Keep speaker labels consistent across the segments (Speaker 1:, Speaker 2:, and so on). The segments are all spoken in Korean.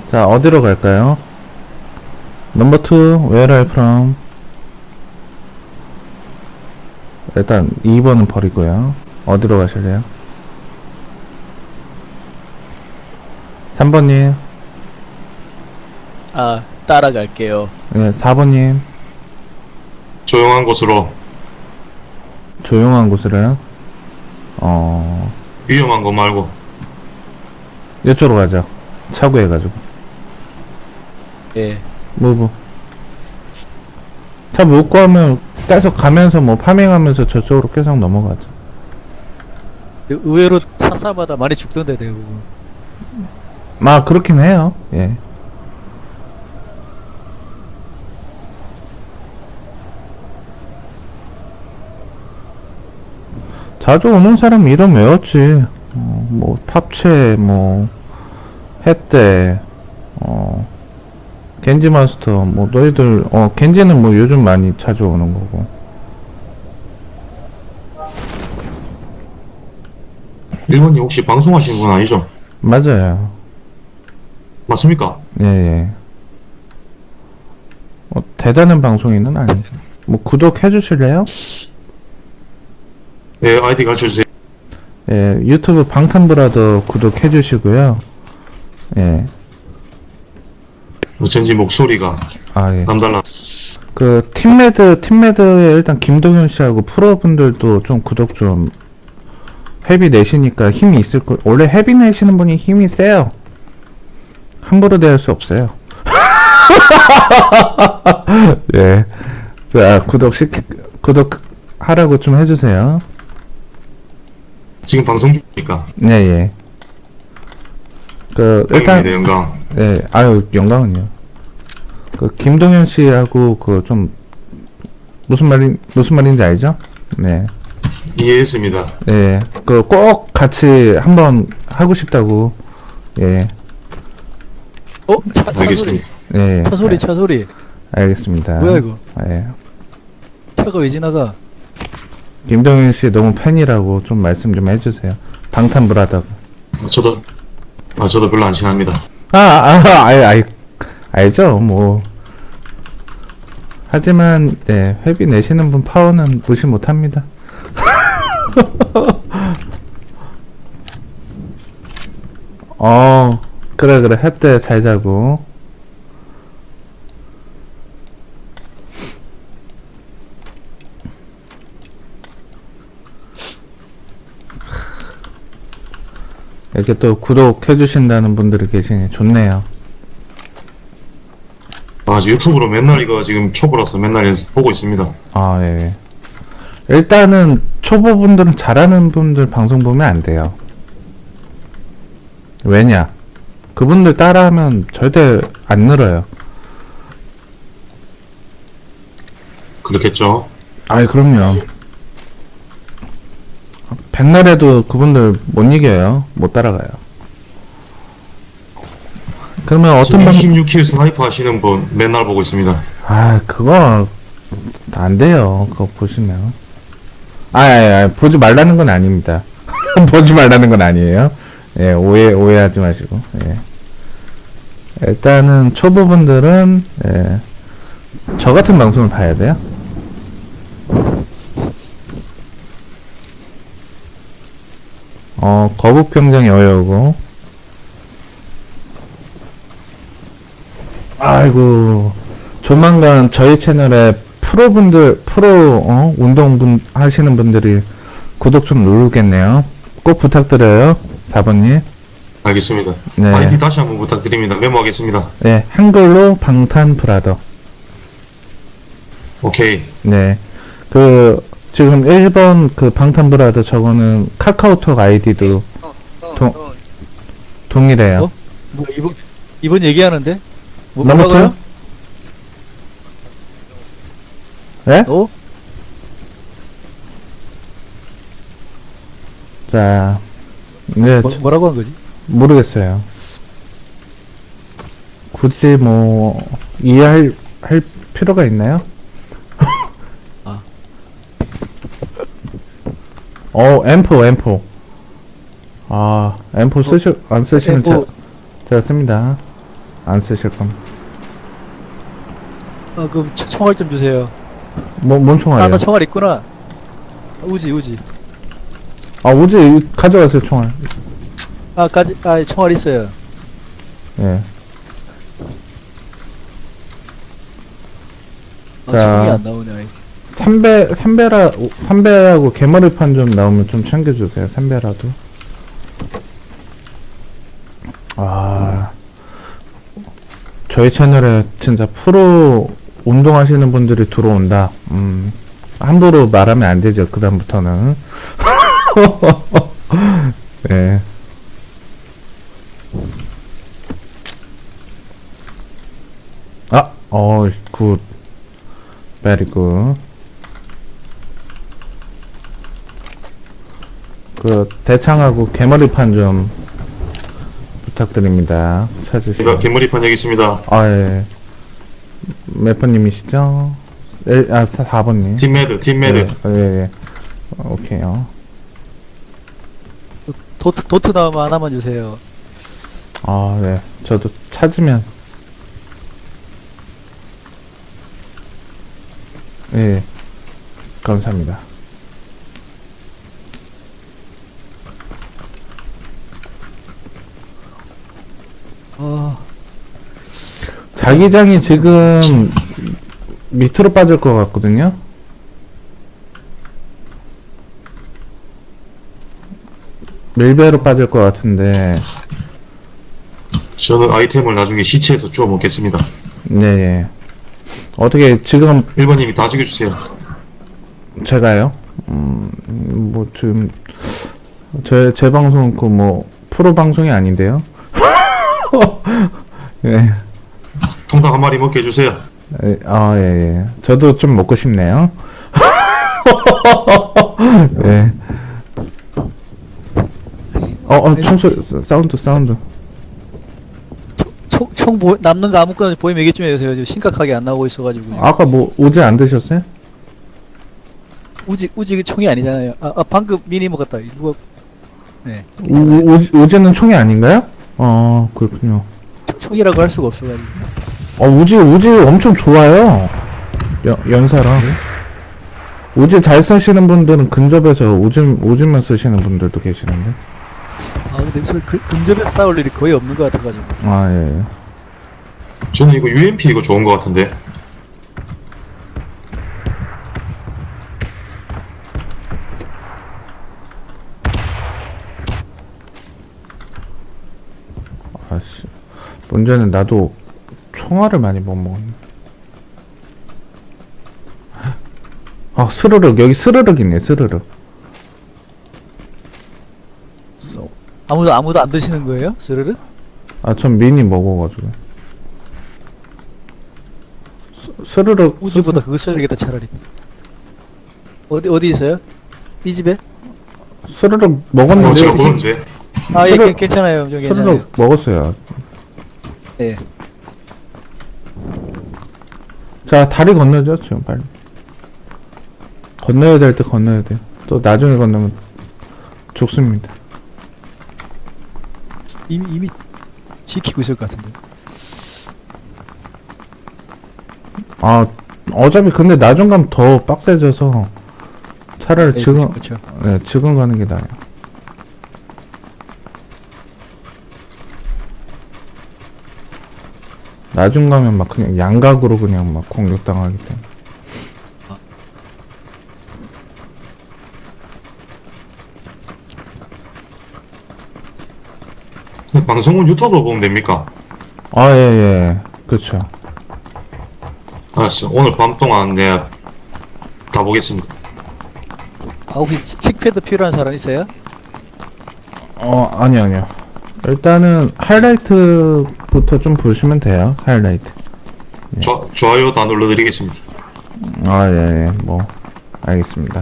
Speaker 1: 자, 어디로 갈까요? 넘버 2, where are you from? 일단 2번은 버리고요. 어디로 가실래요? 3번님.
Speaker 2: 아, 따라갈게요.
Speaker 1: 네, 4번님.
Speaker 3: 조용한 곳으로.
Speaker 1: 조용한 곳으로요.
Speaker 3: 위험한 거 말고.
Speaker 1: 이쪽으로 가죠. 차구해가지고.
Speaker 2: 예.
Speaker 1: 무브. 차 묶고 하면 계속 가면서 뭐 파밍하면서 저쪽으로 계속 넘어가죠.
Speaker 2: 의외로 차사마다 많이 죽던데, 대부분.
Speaker 1: 그렇긴 해요. 예. 자주 오는 사람 이름 외웠지. 뭐 팝체, 뭐 햇대, 겐지 마스터, 뭐 너희들 겐지는 뭐 요즘 많이 자주 오는 거고.
Speaker 3: 일본님 혹시 방송하시는 분 아니죠?
Speaker 1: 맞아요.
Speaker 3: 맞습니까?
Speaker 1: 예, 예. 대단한 방송인은 아니죠. 뭐 구독해 주실래요?
Speaker 3: 네, 아이디 가르쳐주세요.
Speaker 1: 예, 유튜브 방탄브라더 구독해 주시고요. 예.
Speaker 3: 어쩐지 목소리가
Speaker 1: 예.
Speaker 3: 남달라.
Speaker 1: 그 팀매드에 일단 김동현 씨하고 프로분들도 좀 구독 좀 헤비 내시니까 힘이 있을 거. 원래 헤비 내시는 분이 힘이 세요. 함부로 대할 수 없어요. 예. 자, 구독하라고 좀 해주세요.
Speaker 3: 지금 방송 중이니까.
Speaker 1: 네, 예. 일단,
Speaker 3: 영광입니다, 영광.
Speaker 1: 예, 영광은요. 김동현 씨하고 좀, 무슨 말인지 알죠? 네.
Speaker 3: 이해했습니다.
Speaker 1: 예. 꼭 같이 한번 하고 싶다고, 예.
Speaker 2: 차 소리.
Speaker 3: 알겠습니다.
Speaker 1: 예.
Speaker 2: 차 소리.
Speaker 1: 알겠습니다.
Speaker 2: 뭐야, 이거?
Speaker 1: 예.
Speaker 2: 차가 왜 지나가?
Speaker 1: 김동현 씨 너무 팬이라고 좀 말씀 좀 해주세요. 방탄브라더.
Speaker 3: 저도 별로 안 친합니다.
Speaker 1: 알죠, 뭐. 하지만, 네, 회비 내시는 분 파워는 무시 못 합니다. 그래, 햇대 잘 자고. 이렇게 또 구독해주신다는 분들이 계시니 좋네요.
Speaker 3: 유튜브로 맨날 이거 지금 초보라서 맨날 보고 있습니다.
Speaker 1: 예. 일단은 초보분들은 잘하는 분들 방송 보면 안 돼요. 왜냐? 그분들 따라하면 절대 안 늘어요.
Speaker 3: 그렇겠죠?
Speaker 1: 그럼요. 백날 해도 그분들 못 이겨요. 못 따라가요. 그러면 어떤
Speaker 3: 26킬 스나이퍼 하시는 분 맨날 보고 있습니다.
Speaker 1: 그거 안 돼요. 그거 보시면. 보지 말라는 건 아닙니다. 보지 말라는 건 아니에요. 예, 오해하지 마시고. 예. 일단은 초보분들은 저 같은 방송을 봐야 돼요. 거북병정이 어여우고. 아이고, 조만간 저희 채널에 운동분 하시는 분들이 구독 좀 누르겠네요. 꼭 부탁드려요. 4번님.
Speaker 3: 알겠습니다.
Speaker 1: 네.
Speaker 3: 아이디 다시 한번 부탁드립니다. 메모하겠습니다.
Speaker 1: 네, 한글로 방탄브라더.
Speaker 3: 오케이.
Speaker 1: 네. 지금 1번 방탄브라더 저거는 카카오톡 아이디도 동일해요.
Speaker 2: 뭐, 이번 얘기하는데?
Speaker 1: 넘어가요? 네? 자, 네,
Speaker 2: 뭐라고 한 거지?
Speaker 1: 모르겠어요. 굳이 뭐 이해할 필요가 있나요? M4. M4 안 쓰시면 제가 씁니다. 안 쓰실 거면.
Speaker 2: 그럼 총알 좀 주세요.
Speaker 1: 뭔 총알이요?
Speaker 2: 나 총알 있구나. 우지.
Speaker 1: 우지 가져가세요, 총알.
Speaker 2: 총알 있어요.
Speaker 1: 예. 자.
Speaker 2: 총이 안 나오네. 아이.
Speaker 1: 삼배하고 개머리판 좀 나오면 좀 챙겨주세요. 삼배라도. 저희 채널에 진짜 프로 운동하시는 분들이 들어온다. 함부로 말하면 안 되죠. 그다음부터는. 네. 굿. 베리 굿. 대창하고 개머리판 좀 부탁드립니다. 찾으시고.
Speaker 3: 제가 개머리판 여기 있습니다.
Speaker 1: 예. 몇 번님이시죠? 4번님.
Speaker 3: 팀매드.
Speaker 1: 예. 오케이요.
Speaker 2: 도트 나오면 하나만 주세요.
Speaker 1: 네. 저도 찾으면. 예. 감사합니다. 자기장이 지금 밑으로 빠질 것 같거든요. 밀배로 빠질 것 같은데.
Speaker 3: 저는 아이템을 나중에 시체에서 주워 먹겠습니다.
Speaker 1: 네. 어떻게 지금
Speaker 3: 1번님이 다 죽여주세요.
Speaker 1: 제가요? 지금 제 방송은 프로 방송이 아닌데요. 예.
Speaker 3: 통닭 한 마리 먹게 해주세요.
Speaker 1: 예. 저도 좀 먹고 싶네요. 예. 총소리, 사운드.
Speaker 2: 남는 거 아무거나 보이면 얘기 좀 해주세요. 지금 심각하게 안 나오고 있어가지고.
Speaker 1: 아까 오지 안 드셨어요?
Speaker 2: 우지 총이 아니잖아요. 방금 미니 먹었다. 누가? 네.
Speaker 1: 오지는 총이 아닌가요? 그렇군요.
Speaker 2: 총이라고 할 수가 없어가지고.
Speaker 1: 우지 엄청 좋아요. 연사랑.
Speaker 2: 네?
Speaker 1: 우지 잘 쓰시는 분들은 근접해서 오지만 쓰시는 분들도 계시는데.
Speaker 2: 근데 근접에서 싸울 일이 거의 없는 것 같아가지고.
Speaker 1: 예.
Speaker 3: 저는 이거 UMP 이거 좋은 것 같은데.
Speaker 1: 문제는 나도 총알을 많이 못 먹었네. 스르륵. 여기 스르륵 있네, 스르륵.
Speaker 2: 아무도 안 드시는 거예요? 스르르?
Speaker 1: 전 미니 먹어가지고. 스르륵.
Speaker 2: 우지보다 그거 써야 되겠다 차라리. 어디 있어요? 이 집에?
Speaker 1: 스르륵 먹었는데.
Speaker 3: 제가 보는데.
Speaker 2: 예,
Speaker 1: 스르륵-
Speaker 2: 괜찮아요. 좀 괜찮아요.
Speaker 1: 스르륵 먹었어요.
Speaker 2: 네.
Speaker 1: 자, 다리 건너죠, 지금 빨리. 건너야 될 때 건너야 돼요. 또 나중에 건너면 죽습니다.
Speaker 2: 이미 지키고 있을 것 같은데.
Speaker 1: 어차피 근데 나중 가면 더 빡세져서 차라리
Speaker 2: 네,
Speaker 1: 지금,
Speaker 2: 그쵸.
Speaker 1: 네, 지금 가는 게 나아요. 나중 가면 막 그냥 양각으로 그냥 막 공격당하기 때문에.
Speaker 3: 방송은 유튜브로 보면 됩니까?
Speaker 1: 예. 그쵸.
Speaker 3: 알았어. 오늘 밤 동안 내가 다 보겠습니다.
Speaker 2: 혹시 칙패드 필요한 사람 있어요?
Speaker 1: 아니요. 일단은 하이라이트부터 좀 보시면 돼요. 하이라이트.
Speaker 3: 좋아요 다 눌러드리겠습니다.
Speaker 1: 예. 알겠습니다.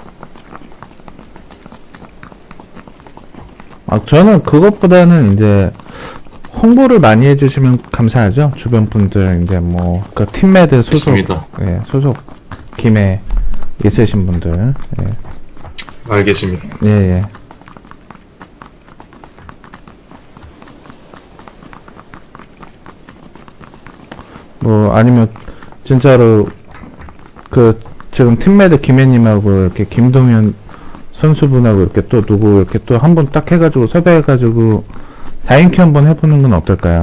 Speaker 1: 저는 그것보다는 이제 홍보를 많이 해주시면 감사하죠. 주변 분들 이제 팀매드 소속,
Speaker 3: 있습니다.
Speaker 1: 소속 김에 있으신 분들.
Speaker 3: 알겠습니다.
Speaker 1: 예. 뭐 아니면 진짜로 그 지금 팀메드 김혜님하고 이렇게 김동현 선수분하고 이렇게 또 누구 이렇게 또 한 번 딱 해가지고 섭외해가지고 4인큐 한번 해보는 건 어떨까요?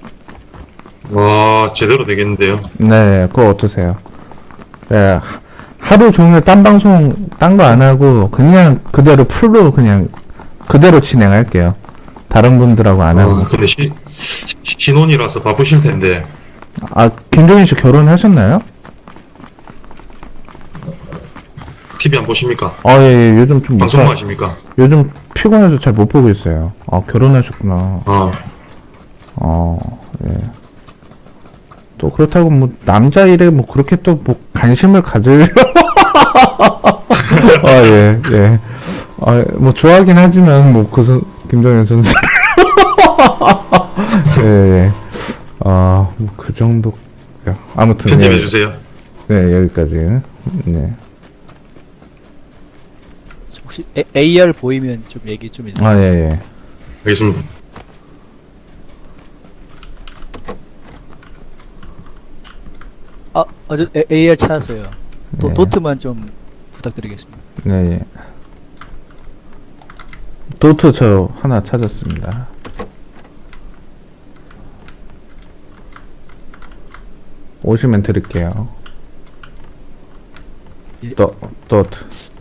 Speaker 3: 와, 제대로 되겠는데요.
Speaker 1: 네, 그거 어떠세요? 네, 하루 종일 딴 방송 딴 거 안 하고 그냥 그대로 풀로 그냥 그대로 진행할게요. 다른 분들하고 안 하고.
Speaker 3: 근데 신혼이라서 바쁘실 텐데.
Speaker 1: 아, 김종인 씨 결혼하셨나요?
Speaker 3: TV 안 보십니까?
Speaker 1: 아, 예, 예, 요즘 좀
Speaker 3: 방송만 하십니까?
Speaker 1: 요즘 피곤해서 잘 못 보고 있어요. 아, 결혼하셨구나. 예. 또 그렇다고 뭐 남자 일에 뭐 그렇게 또 뭐 관심을 가질 아, 예, 예. 아, 뭐 좋아하긴 하지만 뭐 김정현 선수 예, 예. 아, 뭐 그 정도. 아무튼
Speaker 3: 편집해
Speaker 1: 예.
Speaker 3: 주세요.
Speaker 1: 네, 여기까지. 네.
Speaker 2: 혹시 AR 보이면 좀 얘기 좀 해주세요.
Speaker 1: 아, 예, 예.
Speaker 3: 알겠습니다.
Speaker 2: 저 AR 찾았어요.
Speaker 1: 네.
Speaker 2: 도트만 좀 부탁드리겠습니다.
Speaker 1: 네, 예. 도트 저 하나 찾았습니다. 오시면 드릴게요.
Speaker 2: 예.
Speaker 1: 도트.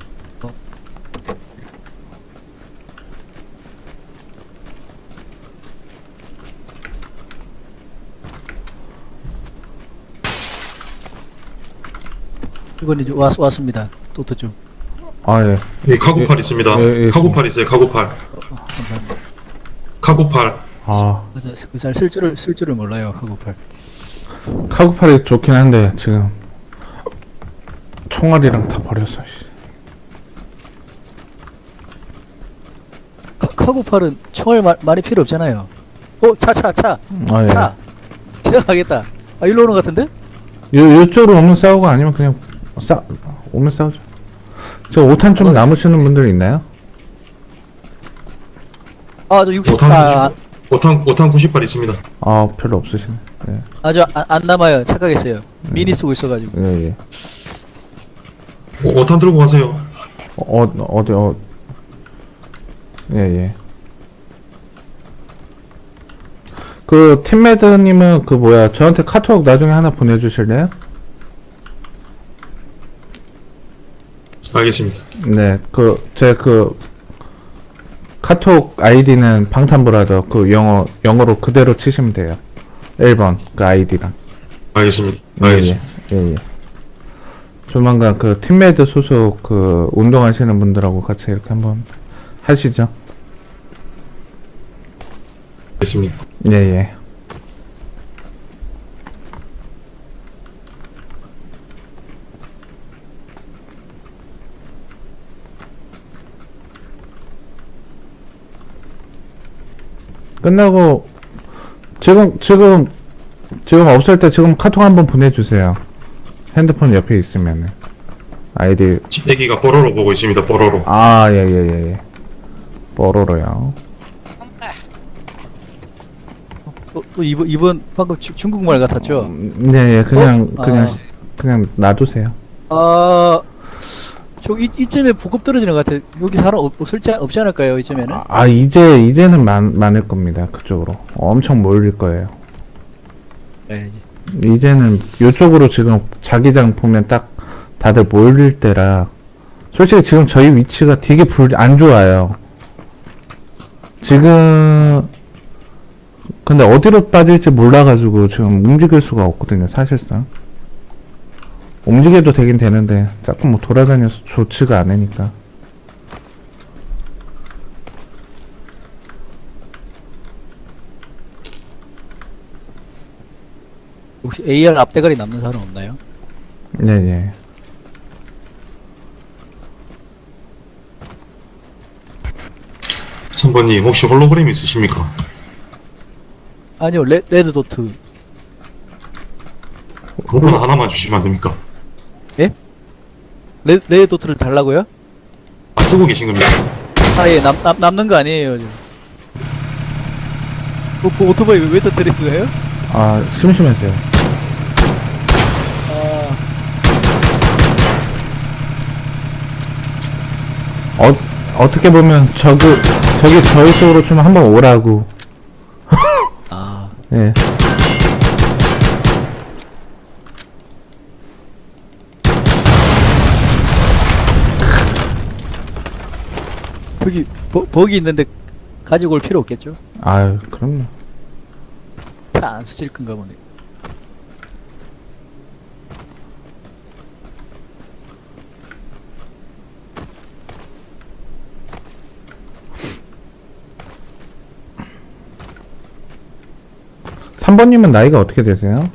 Speaker 2: 이번에 이제 왔습니다. 도트 좀.
Speaker 1: 아, 예.
Speaker 3: 이 카고팔 있습니다.
Speaker 1: 예, 예.
Speaker 3: 카고팔 있어요. 카고팔.
Speaker 2: 감사합니다.
Speaker 3: 카고팔.
Speaker 1: 아,
Speaker 2: 맞아, 그잘 쓸 줄을 몰라요, 카고팔.
Speaker 1: 카구팔이 좋긴 한데 지금 총알이랑 다 버렸어. 씨.
Speaker 2: 카고팔은 총알 많이 필요 없잖아요. 차.
Speaker 1: 아, 예.
Speaker 2: 차. 지나가겠다. 아, 일로 오는 것 같은데?
Speaker 1: 요쪽으로 오면 싸우고 아니면 그냥 오면 싸우죠. 저 5탄 좀 남으시는 분들 있나요?
Speaker 2: 저 60.
Speaker 3: 5탄 90발 있습니다.
Speaker 1: 아, 별로 없으시네. 네.
Speaker 2: 안 남아요. 착각했어요. 미니 쓰고 있어가지고.
Speaker 1: 예, 예.
Speaker 3: 5탄 들고 가세요.
Speaker 1: 어디, 예, 예. 그, 팀매드님은 그 뭐야, 저한테 카톡 나중에 하나 보내주실래요?
Speaker 3: 알겠습니다.
Speaker 1: 네, 제 카톡 아이디는 방탄브라더, 영어로 그대로 치시면 돼요. 1번, 그 아이디랑.
Speaker 3: 알겠습니다.
Speaker 1: 예,
Speaker 3: 알겠습니다.
Speaker 1: 예, 예. 조만간 그 팀매드 소속 그 운동하시는 분들하고 같이 이렇게 한번 하시죠.
Speaker 3: 알겠습니다.
Speaker 1: 예, 예. 끝나고 지금 없을 때 지금 카톡 한번 보내주세요. 핸드폰 옆에 있으면은 아이디.
Speaker 3: 애기가 뽀로로 보고 있습니다. 뽀로로.
Speaker 1: 아, 예. 뽀로로요.
Speaker 2: 이번 방금 중국말 같았죠?
Speaker 1: 네, 예. 그냥
Speaker 2: 아.
Speaker 1: 놔두세요.
Speaker 2: 이쯤에 보급 떨어지는 것 같아. 여기 사람 없지 않을까요? 이쯤에는?
Speaker 1: 이제는 많을 겁니다. 그쪽으로 엄청 몰릴 거예요.
Speaker 2: 네,
Speaker 1: 이제는 요쪽으로 지금 자기장 보면 딱 다들 몰릴 때라. 솔직히 지금 저희 위치가 되게 안 좋아요. 지금 근데 어디로 빠질지 몰라가지고 지금 움직일 수가 없거든요, 사실상. 움직여도 되긴 되는데 자꾸 뭐 돌아다녀서 좋지가 않으니까.
Speaker 2: 혹시 AR 앞대가리 남는 사람 없나요?
Speaker 1: 네.
Speaker 3: 선배님 혹시 홀로그램 있으십니까?
Speaker 2: 아니요, 레드 도트.
Speaker 3: 그거나 하나만 주시면 안 됩니까?
Speaker 2: 예? 레드 도트를 달라고요?
Speaker 3: 쓰고 계신 겁니까?
Speaker 2: 예, 남는 거 아니에요, 지금. 오토바이 왜 터뜨린 거예요?
Speaker 1: 아, 심심해서요. 어떻게 보면 저기 저희 쪽으로 좀 한번 오라고.
Speaker 2: 아,
Speaker 1: 예.
Speaker 2: 여기 버기 있는데 가지고 올 필요 없겠죠?
Speaker 1: 아유, 그럼요.
Speaker 2: 다 안 쓰실 건가 보네.
Speaker 1: 삼번님은 나이가 어떻게 되세요?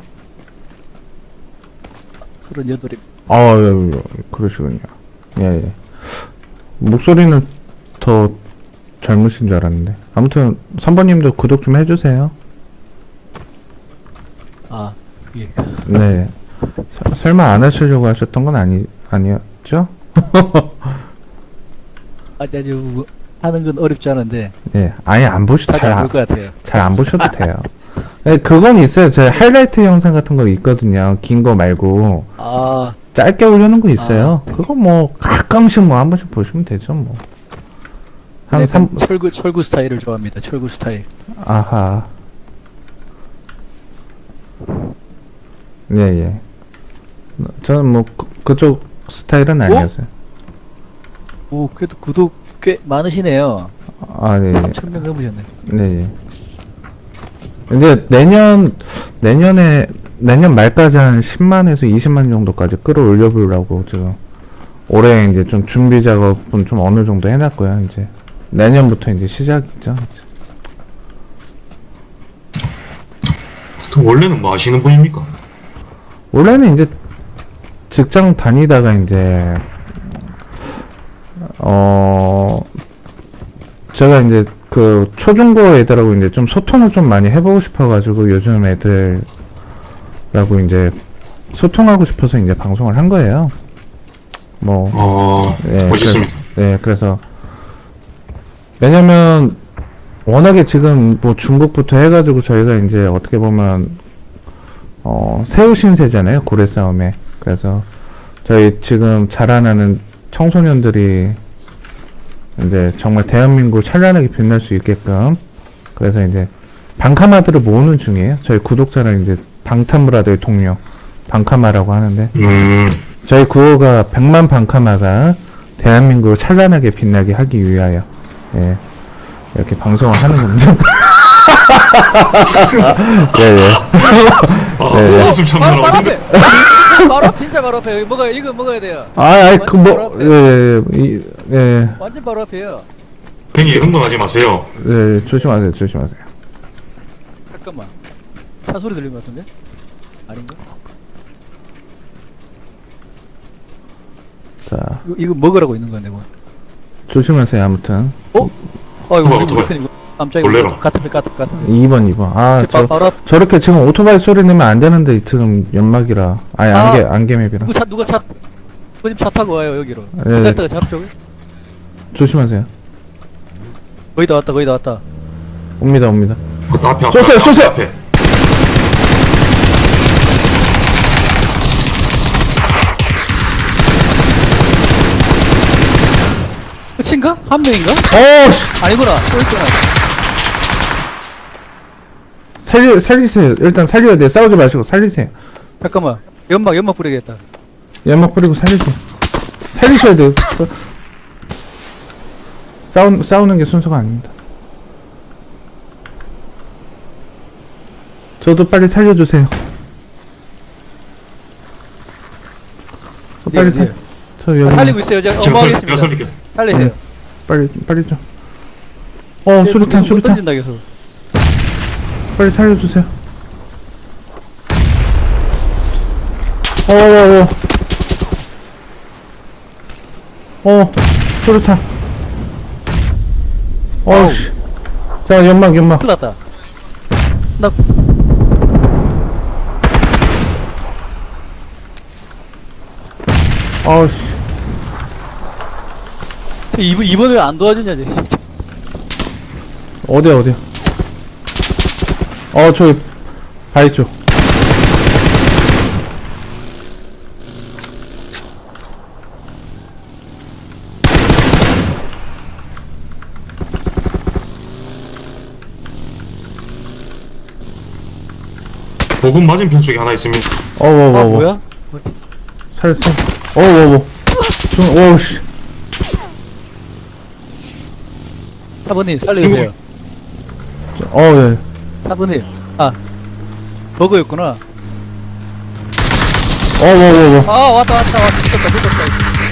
Speaker 2: 38이.
Speaker 1: 예, 그러시군요. 예, 예. 목소리는 더 젊으신 줄 알았는데. 아무튼, 3번님도 구독 좀 해주세요.
Speaker 2: 아, 예.
Speaker 1: 네. 설마 안 하시려고 하셨던 건 아니었죠?
Speaker 2: 아주 하는 건 어렵지 않은데
Speaker 1: 예. 아예 안
Speaker 2: 잘 안 볼 것 같아요.
Speaker 1: 잘 안 보셔도 돼요. 네, 그건 있어요. 제 하이라이트 영상 같은 거 있거든요. 긴 거 말고.
Speaker 2: 아,
Speaker 1: 짧게 올려놓은 거 있어요. 그거 뭐, 가끔씩 뭐 한 번씩 보시면 되죠, 뭐. 한
Speaker 2: 네,
Speaker 1: 3,
Speaker 2: 철구 스타일을 좋아합니다. 철구 스타일.
Speaker 1: 아하. 예, 예. 저는 뭐, 그쪽 스타일은 아니었어요.
Speaker 2: 오, 그래도 구독 꽤 많으시네요.
Speaker 1: 아, 네.
Speaker 2: 3,000명 넘으셨네.
Speaker 1: 네, 예. 이제 내년 말까지 한 10만에서 20만 정도까지 끌어올려 보려고 지금 올해 이제 좀 준비 작업은 좀 어느 정도 해놨고요. 이제 내년부터 이제 시작이죠.
Speaker 3: 그럼 원래는 뭐 하시는 분입니까?
Speaker 1: 원래는 이제 직장 다니다가 이제 제가 이제 그 초중고 애들하고 이제 좀 소통을 좀 많이 해보고 싶어가지고 요즘 애들하고 이제 소통하고 싶어서 이제 방송을 한 거예요. 뭐, 예,
Speaker 3: 멋있습니다.
Speaker 1: 그래서 왜냐면 워낙에 지금 뭐 중국부터 해가지고 저희가 이제 어떻게 보면 새우 신세잖아요, 고래 싸움에. 그래서 저희 지금 자라나는 청소년들이 이제 정말 대한민국을 찬란하게 빛날 수 있게끔 그래서 이제 방카마들을 모으는 중이에요. 저희 구독자를 이제 방탄브라더의 동료 방카마라고 하는데 저희 구호가 100만 방카마가 대한민국을 찬란하게 빛나게 하기 위하여 예, 이렇게 방송을 하는 겁니다. 예.
Speaker 3: 웃음 참느라고
Speaker 2: 바로
Speaker 3: 근데
Speaker 2: 앞에! 바로 앞에, 진짜 바로 앞에. 여기 이거 먹어야 돼요.
Speaker 1: 예,
Speaker 2: 완전 바로 앞에요.
Speaker 3: 괜히 흥분하지 마세요.
Speaker 1: 예, 조심하세요.
Speaker 2: 잠깐만. 차 소리 들린 것 같은데? 아닌가?
Speaker 1: 자,
Speaker 2: 이거 먹으라고 있는 건데 뭐.
Speaker 1: 조심하세요. 아무튼
Speaker 2: 이거 우리
Speaker 3: 오토바이.
Speaker 2: 편이고. 깜짝이야.
Speaker 3: 놀래라.
Speaker 2: 같은 편.
Speaker 1: 2번. 아,
Speaker 2: 바로 앞.
Speaker 1: 저렇게 지금 오토바이 소리 내면 안 되는데 지금 연막이라. 아니, 안개맵이라.
Speaker 2: 누가 차 타고 와요 여기로.
Speaker 1: 예.
Speaker 2: 기다렸다가 잡죠.
Speaker 1: 조심하세요.
Speaker 2: 거의 다 왔다.
Speaker 1: 옵니다.
Speaker 3: 그 앞에
Speaker 1: 쏘세요.
Speaker 3: 앞에.
Speaker 2: 끝인가? 한 명인가?
Speaker 1: 씨!
Speaker 2: 아니구나. 또 있구나.
Speaker 1: 살리세요. 일단 살려야 돼요. 싸우지 마시고 살리세요.
Speaker 2: 잠깐만. 연막 뿌리겠다.
Speaker 1: 연막 뿌리고 살리세요. 살리셔야 돼요. 싸우는 게 순서가 아닙니다. 저도 빨리 살려주세요. 빨리 저 여기
Speaker 2: 살리고 있어요. 제가
Speaker 3: 제가
Speaker 2: 어머하겠습니다.
Speaker 3: 살릴게요.
Speaker 2: 살리세요.
Speaker 1: 네. 빨리 좀.
Speaker 2: 예,
Speaker 1: 수류탄.
Speaker 2: 던진다 계속.
Speaker 1: 빨리 살려주세요. 수류탄. 씨. 자, 연막.
Speaker 2: 큰일 났다. 나
Speaker 1: 씨.
Speaker 2: 이번 왜 안 도와주냐 쟤.
Speaker 1: 어디야? 저기 바위 쪽.
Speaker 3: 보급 맞은편 쪽에 하나 있습니다.
Speaker 2: 아 뭐야?
Speaker 1: 살살. 오우씨.
Speaker 2: 사부님 살려주세요.
Speaker 1: 예.
Speaker 2: 사부님. 아 버그였구나. 아 왔다 붙었다.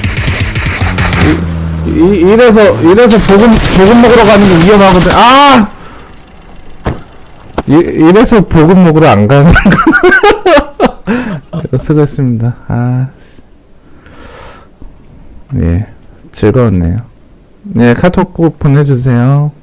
Speaker 1: 이래서 보금 먹으러 가는 게 위험하거든. 아! 이래서 보금 먹으러 안 가는 거. 수고했습니다. 아. 예. 즐거웠네요. 네, 카톡 꼭 보내주세요.